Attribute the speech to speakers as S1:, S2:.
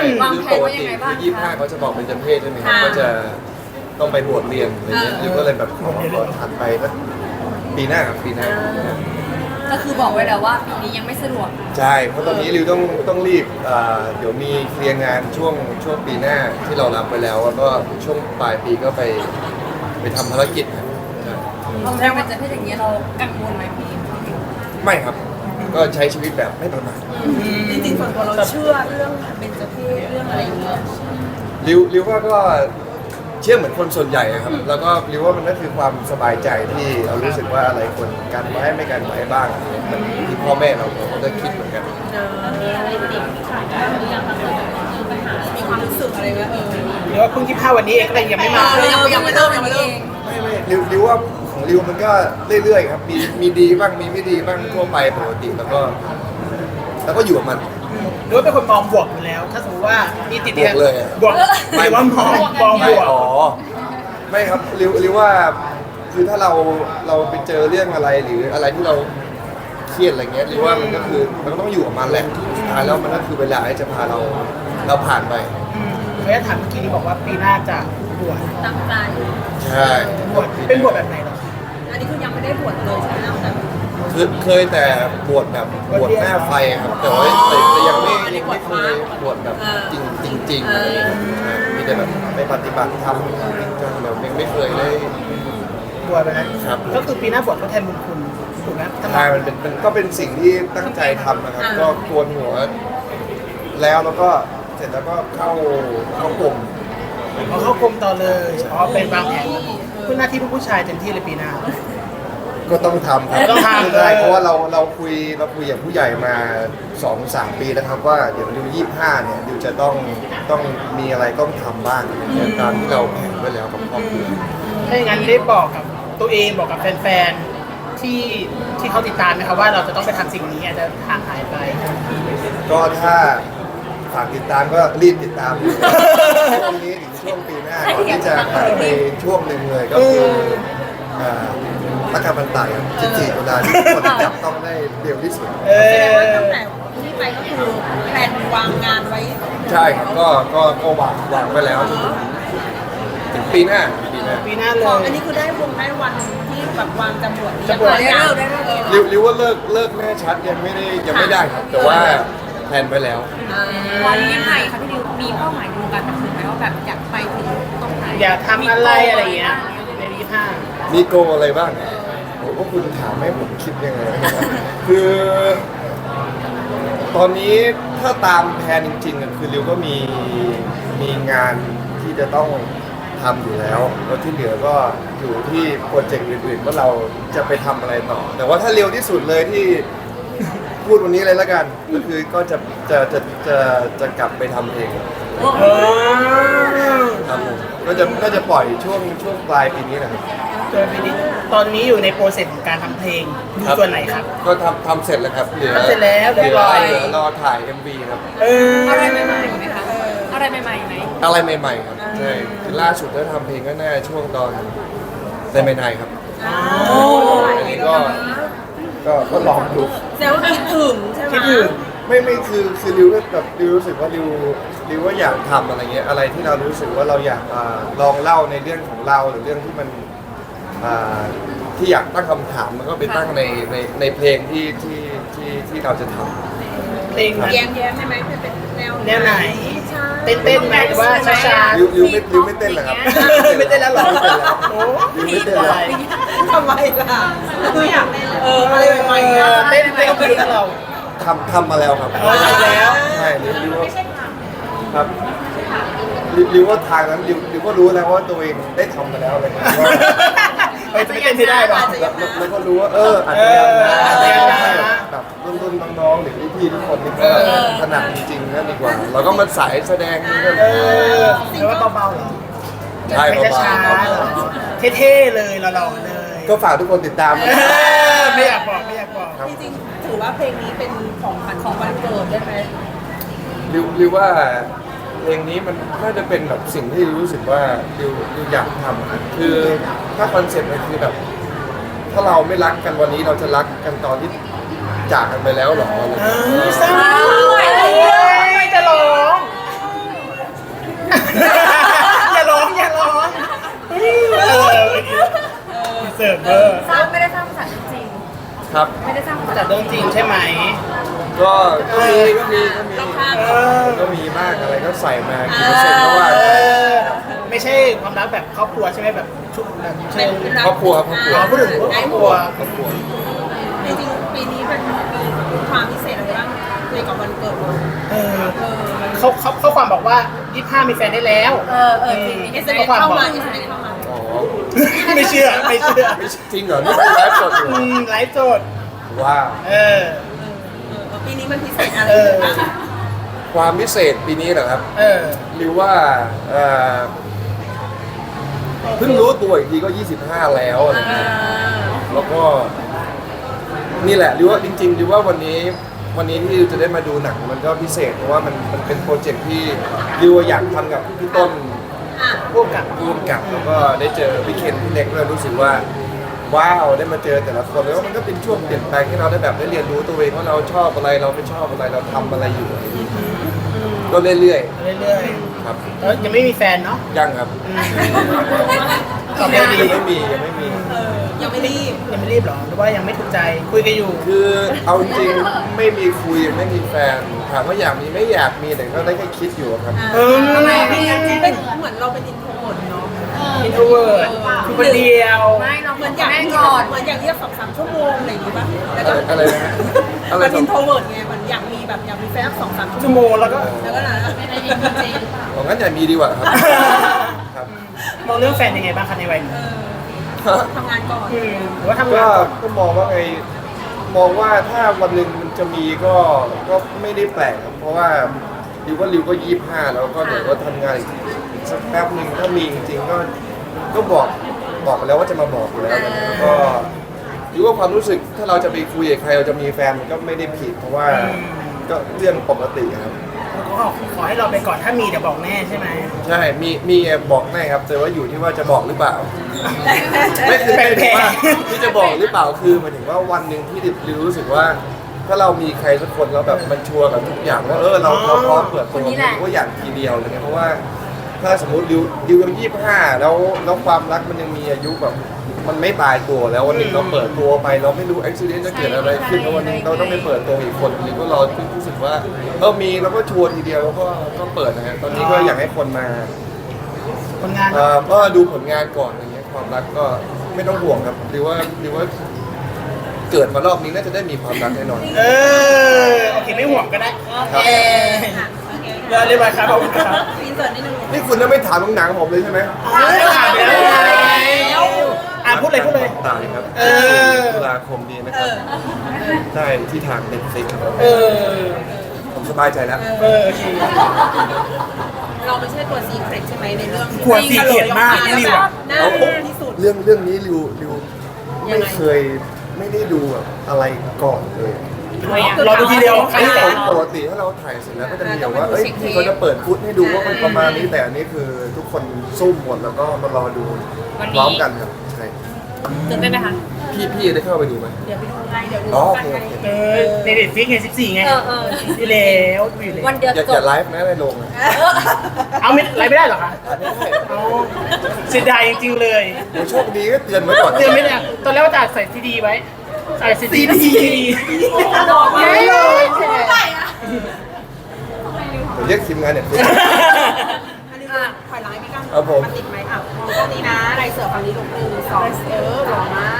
S1: วาง
S2: คือ
S1: แผ
S2: ป
S1: น
S2: ก
S1: ไว้ยั
S2: ติ
S1: งไงบ้าง
S2: คือ
S1: คะ
S2: 25เขาจะบอกเป็นจำเพศใช่ไหมครับก็จะต้องไปบวชเรียนอะไรเงี้ยริวก็เลยแบบขอถัดไปก็ปีหน้าครับปีหน้า
S1: ก็คือบอกไว้แล้วว่าปีนี้ยังไม่สะดวก
S2: ใช่ เพราะตอนนี้ริวต้องรีบเดี๋ยวมีเคลียร์งานช่วงปีหน้าที่เรารับไปแล้วแล้วก็ช่วงปลายปีก็ไปทำภารกิจครับใช่
S1: เราแรกเป็นจะเพศอย่างเงี้ยเรากังวลไหมพี่
S2: ไม่ครับ ก็ใช้ชีวิตแบบไม่ประมาท
S3: จริงๆส่วนตัวเราเชื่อเรื่องเบญจเพศเรื่องอะไรอย่างเงี้ย
S2: ริวว่าก็เชื่อเหมือนคนส่วนใหญ่อะครับ แล้วก็ริวว่ามันก็คือความสบายใจที่เรารู้สึกว่าอะไรควรกันไว้ไม่กันไว้บ้างมันที่พ่อแม่เราก็จะคิดเหมือนกัน
S3: มีความรู้สึกอะไรไหม
S4: หรือว่าเพิ่ง25วันนี้เองก็เลยยังไม่มา
S1: ยังไม่เริ่มวันนี้เอง
S2: ไม่ริวว่าของริวมันก็เรื่อยๆครับมีดีบ้างมีไม่ดีบ้างทั่วไปปกติแล้วก็อยู่กับมัน
S4: หรือว่าเป็นคนมองบวกอยู่แล้ว ถ้าสมมติว่ามีติด
S2: บวกเลยอะ
S4: บวกไม่ว่ามองบ
S2: ไม่
S4: วก
S2: อ๋อไม่ครับริวว่าคือถ้าเราไปเจอเรื่องอะไรหรืออะไรที่เราเครียดอะไรเงี้ยริวว่ามันก็คือมันก็ต้องอยู่กับมันแหละสุดท้ายแล้วมันก็คือเวลาที่จะพาเราผ่านไป
S4: เมื่อถามเมื่อกี้นี้บอกว่าปีหน้าจะบวช
S3: ตั้งใจ
S2: ใช่
S4: บวชเป็นบวชแบบไหนเหรอ
S3: อันนี้คือยังไม่ได้บวชเลยใช่ไหมแต่
S2: คือเคยแต่บวชแบบบวชหน้าไฟครับแต่ว่าแต่ยังไม่เคยบวชแบบจริงอะไรอย่างเงี้ยใช่มีแต่แบบไปปฏิบัติธรรมจริงจังแบบไม่เคยได้
S4: บวชแบบนั้น
S2: ครับ
S4: ก็คือปีหน้าบวชทดแทนบุญคุณถูกไหม
S2: ใช่มันก็เป็นสิ่งที่ตั้งใจทำนะครับ ก็โกนหัวแล้วก็เสร็จแล้วก็เข้ากลม
S4: พอเข้ากรมต่อเลยอ๋อเป็นวางแผนคุณหน้าที่ผู้ชายเต็มที่เลยปีหน้า
S2: ก็ต้องทำครับ
S4: ต้องทำ
S2: ใช่เพราะว่าเราคุยกับผู้ใหญ่มา 2-3 ปีแล้วครับว่าเดี๋ยวริว25เนี่ยริวจะต้องมีอะไรต้องทำบ้างตามที่เราแผนไว้แล้วกับครอบครัว
S4: ถ้าอย่างนั้นได้บอกกับตัวเองบอกกับแฟนๆที่เขาติดตามนะครับว่าเราจะต้องไปทำสิ่งนี้อาจจะห่างหายไป
S2: ก็ถ้าฝากติดตามก็รีบติดตามช่วงนี้ถึงช่วงปีหน้าก่อนที่จะหายไปช่วงหนึ่งเลยก็คือรักการบันไตครับ14ตุลาที่ทุกคนจับต้องได้เร็วที่สุด
S3: แสดงว่าตั้งแต่ที่ไปก็คือแผนวางงานไว้
S2: ใช่ครับก็วางไว้แล้วจนถึงปีหน้า
S4: ปีหน้าเล
S3: ของ
S4: ย
S3: อันนี้คือได้วันที่แบบวางจะบวช
S4: จะบวช
S1: ได้เลิกได้เลิก
S2: ริวว่าเลิกแน่ชัดยังไม่ได้ครับ แต่ว่าแพลนไว้แล้ว
S1: วันยังไงคะพี่ดิวมีเป้าหมายดูการบันเทิงไหมว่าแบบอยากไปถึงตรงไหน
S4: อยากทำอะไรอะไรอย่างเงี้ยใน25
S2: มีโกอะไรบ้างผมว่าคุณถามให้ผมคิดยังไงคือ ตอนนี้ถ้าตามแผนจริงๆคือริวก็มีงานที่จะต้องทำอยู่แล้วแล้วที่เหลือก็อยู่ที่โปรเจกต์อื่นๆว่าเราจะไปทำอะไรต่อ แต่ว่าถ้าเร็วที่สุดเลยที่พูดวันนี้เลยละกันก็คือก็จะกลับไปทำเองครับผมก็จะปล่อยช่วงปลายปีนี้นะครับ
S4: ส่วนปีนี้ตอนนี้อยู่ในโปรเซสของการทำเพลงอยู่ส่วนไหนครับ
S2: ก็ทำเสร็จแล้วครับเหลือ
S4: ทำเสร็จแล้วเรียบร้อย
S2: เหลือรอถ่าย MV ครับ
S1: อะไรใหม่ๆไหมคะอะไรใหม่ๆไหม
S2: อะไรใหม่ๆครับใช่คือล่าสุดถ้าทำเพลงก็น่าช่วงตอนในไม่นายครับอันนี้ก็ลองดู
S3: แสดงว่าคิดถึงใช่ไหม
S4: คิดถึง
S2: ไม่คือริวแบบริวรู้สึกว่าริวว่าอยากทำอะไรเงี้ยอะไรที่เรารู้สึกว่าเราอยากลองเล่าในเรื่องของเราหรือเรื่องที่มันที่อยากตั้งคำถามมันก็ไปตั้งในเพลงที่เราจะทำ
S4: เพลงนั้น
S3: แย้มๆใช่ไหมเป็นแนว
S4: ไหน
S3: ใช่
S4: เต้นไหมหรือว่าช้าๆ
S2: ริวไม่เต้นเหรอครับ
S4: ไม่เต้นแล้วเหรอ
S2: ไม่เต้นแล้ว
S4: โอ้
S2: ริวไม่เต้นแล้ว
S3: ทำไมล่ะไม่อยากเล่นอะไรใหม่ๆอ่ะ
S4: เต้นก็คือเรา
S2: ทำมาแล้วครับ
S4: ทำมาแล้ว
S2: ใช่ริวว่าครับริวว่าทางนั้นริวก็รู้แล้วว่าตัวเองได้ทำมาแล้วอะไรเงี้ย
S4: จะไม่เต้นที่ได้หรอ
S2: แล้วก็รู้ว่าอาจจะยังนะแบบรุ่นน้องๆหรือพี่ๆทุกคนนี่ก็ถนัดจริงๆนั่นดีกว่า เราก็มาสายแสดงนี่ก็
S4: หรือว่าเบาๆเหรอ
S2: ใช่
S4: ไม่
S2: เบา
S4: ช้าๆเหรอเท่ๆเลยหล่อๆเลย
S2: ๆก็ฝากทุกคนติดตามนะ
S4: ไม่อยากบอก
S2: ครับ
S3: จริงๆถือว่าเพลงนี้เป็นของขวัญของวันเกิดได้ไหม
S2: ริวว่าเพลงนี้มันน่าจะเป็นแบบสิ่งที่รู้สึกว่าริวอยากทำอะคือถ้าคอนเซ็ปต์มันคือแบบ ถ้าเราไม่รักกันวันนี้เราจะรักกันตอนที่จากกันไปแล้วหรออะไรอย่างเงี้ย
S4: เศร้าจะร้อง
S1: สร้างไม่ได้สร้างภาษาจริง
S2: ครับ
S1: ไม่ได้สร้างภาษา
S4: จากเรื่องจริงใช่ไหม
S2: ก็มี
S4: เออ
S2: บ้างอะไรก็ใส่มากี่เปอร์เซ็นต์ก็ว่า
S4: เออไม่ใช่ความรักแบบครอบครัวใช่ไหมแบบชุดแบบเชิง
S2: ครอบครัวครับครอบครัว
S4: อ๋อพูดถึงครอบครัว
S2: ครอบครัว
S3: จริงๆปีนี้เป็นมีความพิเศษอะไรบ้างในกับวันเกิดเรา
S4: เออเขาความบอกว่า25มีแฟนได้แล้ว
S3: จริงๆ
S4: เขาความ
S3: เข้า
S4: บอก
S3: มาเอสเอ็มเข้ามา
S2: อ๋อ
S4: ไม่เชื่อ
S2: ไม่จริงเหรอนี่เป็นไลฟ์สดอยู่
S4: ไลฟ์สด
S2: ว้าว
S4: เออ
S3: ปีนี้มันพิเศษอะไร
S4: เออ
S3: บ้าง
S2: ความพิเศษปีนี้เหรอครับ
S4: เออ
S2: หรือว่าเพิ่งรู้ตัวอีกทีก็ 25 แล้วอะไรเงี้ยแล้วก็นี่แหละหรือว่าจริงๆหรือว่าวันนี้ที่จะได้มาดูหนังมันก็พิเศษเพราะว่ามันเป็นโปรเจกต์ที่ริวอยากทำกับพี่ต้น
S4: พวกกับ
S2: ร่วมกับแล้วก็ได้เจอพี่เคนพี่เล็กด้วยรู้สึกว่าว้าวได้มาเจอแต่ละคนแล้วมันก็เป็นช่วงเปลี่ยนแปลงที่เราได้แบบได้เรียนรู้ตัวเองว่าเราชอบอะไรเราไม่ชอบอะไรเราทำอะไรอยู่ก็เรื่อย
S4: เรื่อย
S2: ๆครับ
S4: ๆแล้วยังไม่มีแฟนเนาะ
S2: ยังครับ
S4: ตอบได้ดี
S2: ยังไม่มี
S3: ยังไม่รีบ
S4: ยังไม่รีบหรอหรือว่ายังไม่ถูกใจคุยกันอยู่
S2: คือเอาจริงๆไม่มีคุยไม่มีแฟนถามว่าอยากมีไม่อยากมีแต่ก็ได้แค่คิดอยู่ครับ
S4: เออ
S3: ทำไมพี่เป็นเหมือนเราเป็นอินโทรเวิร์ตเนาะ
S4: อินโทรเวิร์ดคือคนเดียว
S1: ไม่เรา
S3: เห
S1: เห
S3: มื
S1: มื
S3: อ
S1: อน น
S3: อยาก
S1: แม่
S3: มี
S1: ก่อน
S3: เหมือนอยากเรียก2-3 ชั่วโมงอะไรอย่างงี้ป่ะแล้วก็
S2: อะไรนะฮะอะไร
S3: เป็น
S2: สอ
S3: อิ
S2: ง
S3: นโทรเวิร์ตไงเหมือนอยากมีแบบอยากมีแฟนสัก2-3
S4: ชั่
S3: ชั่
S4: ว
S3: ว
S4: โม
S3: โมง
S4: งแล้วก็
S3: แล้วก็นะ
S2: ของงั้นอย่ามีดีกว่าครับครับ
S4: มองเรื่องแฟนยังไงบ้างคะในวัยนี้
S3: ทำงานก่อน
S4: หรือว่าทำงา
S2: ก็
S4: นก่อน
S2: ก็มองว่าไงมองว่าถ้าวันหนึ่งมันจะมีก็ไม่ได้แปลกครับเพราะว่าริวก็25แล้วก็เดี๋ยวก็ทำงานอีกสักแป๊บหนึ่งถ้ามีจริงๆก็บอกไปแล้วว่าจะมาบอกอยู่แล้วแล้วก็ริวว่าความรู้สึกถ้าเราจะไปคุยกับใครเราจะมีแฟนมันก็ไม่ได้ผิดเพราะว่าก็เรื่องปกติครับ
S4: ก็ขอให้เราไปก่อนถ้ามีเดี๋ยวบอกแน่ใช่ไหม
S2: ใช่มีบอกแน่ครับแต่ว่าอยู่ที่ว่าจะบอกหรือเปล่า ไม่คือหมายถึงว่าที่จะบอกหรือเปล่าคือหมายถึงว่าวันหนึ่งที่ริวรู้สึกว่า ถ้าเรามีใครสักคนแล้วแบบมันชัวร์กับทุกอย่างว่าเราพร้อมเปิดตัวก็อย่างทีเดียวอะไรเงี้ยเพราะว่าถ้าสมมติริวยัง25แล้วความรักมันยังมีอายุแบบมันไม่ตายตัวแล้ววันหนึ่งเราเปิดตัวไปเราไม่รู้อุบิเหตุจะเกิดอะไรขึ้นแล้ววันหนึงเราต้องไปเปิดตัวอีกคนหรือว่าเรารู้สึกว่ามีเราก็ชัวร์ทีเดียวแล้วก็เปิดนะฮะตอนนี้ก็อยากให้คนมา
S4: ผลงาน
S2: ก็ดูผลงานก่อนอะไรเงี้ยความรักก็ไม่ต้องห่วงครับหรือว่าเกิดมารอบนี้น่าจะได้มีความรักแน่นอน
S4: โอเคไม่ห่วงก็ได้
S2: ครับ
S4: เรียบร้อยครับขอบคุณครับ
S3: อินเสิร์ตนิดนึง
S2: นี่คุณจะไม่ถามหนังผมเลยใช่ไหม
S4: ไม่ถามแล้วพูดเลย
S2: ตายครับตุลาคมนี้นะครับได้ที่ทางเน็ตฟลิกครับผมสบายใจแล้ว
S4: โอเค
S3: เราไม่ใช่ตัวซีเครตใช่ไหมในเรื่อง
S4: กลัวซีเคร็ตมากริวอะ
S3: น่าดูที่สุด
S2: เรื่องนี้ริวไม่เคยไม่ได้ดูแบบอะไรก่อนเลย
S4: เราดูทีเดียวครั้งแรก
S2: ปกติถ้าเราถ่ายเสร็จแล้วก็จะมีแบบว่าพี่เขาจะเปิดฟุตให้ดูว่ามันประมาณนี้แต่อันนี้คือทุกคนซุ่มหมดแล้วก็มารอดูพร้อมกันครับใช่
S1: ตื่นเต้นไหมคะ
S2: พี่ได้เข้าไปดูไหม
S3: เดี๋ยวไปดูไงเดี๋ยวดู
S2: อ๋อ
S3: กั
S2: โอน เค
S3: ไง
S4: ในเด็ดฟิกไง14ไงอยู่แล้วอยู่เลย
S1: วันเดียว
S2: อย่า
S1: จ
S2: อย่า
S1: บ
S2: ไลฟ์นะในโรงนะ
S4: เอาไม่ไลฟ์ไม่ได้หรอคะเอาเสียดายจริงๆเลย
S2: เดี๋ยวโชคดีก็เตือนไว้ก่อน
S4: เตือนไม่ได้ตอนแรกว่าจะใส่ซีดีไว้ใส่ซีดี
S3: บอกไว้เลย
S2: เดี๋ยวเรียกทีมงานเนี่ย
S3: อันนี้ถอยหลังให้พี่กั้ง
S2: ครับผม
S3: นติดไหมอ่ะมองตรงนี้นะไรเสือฝั่งนี้ลง1 2หล่อมา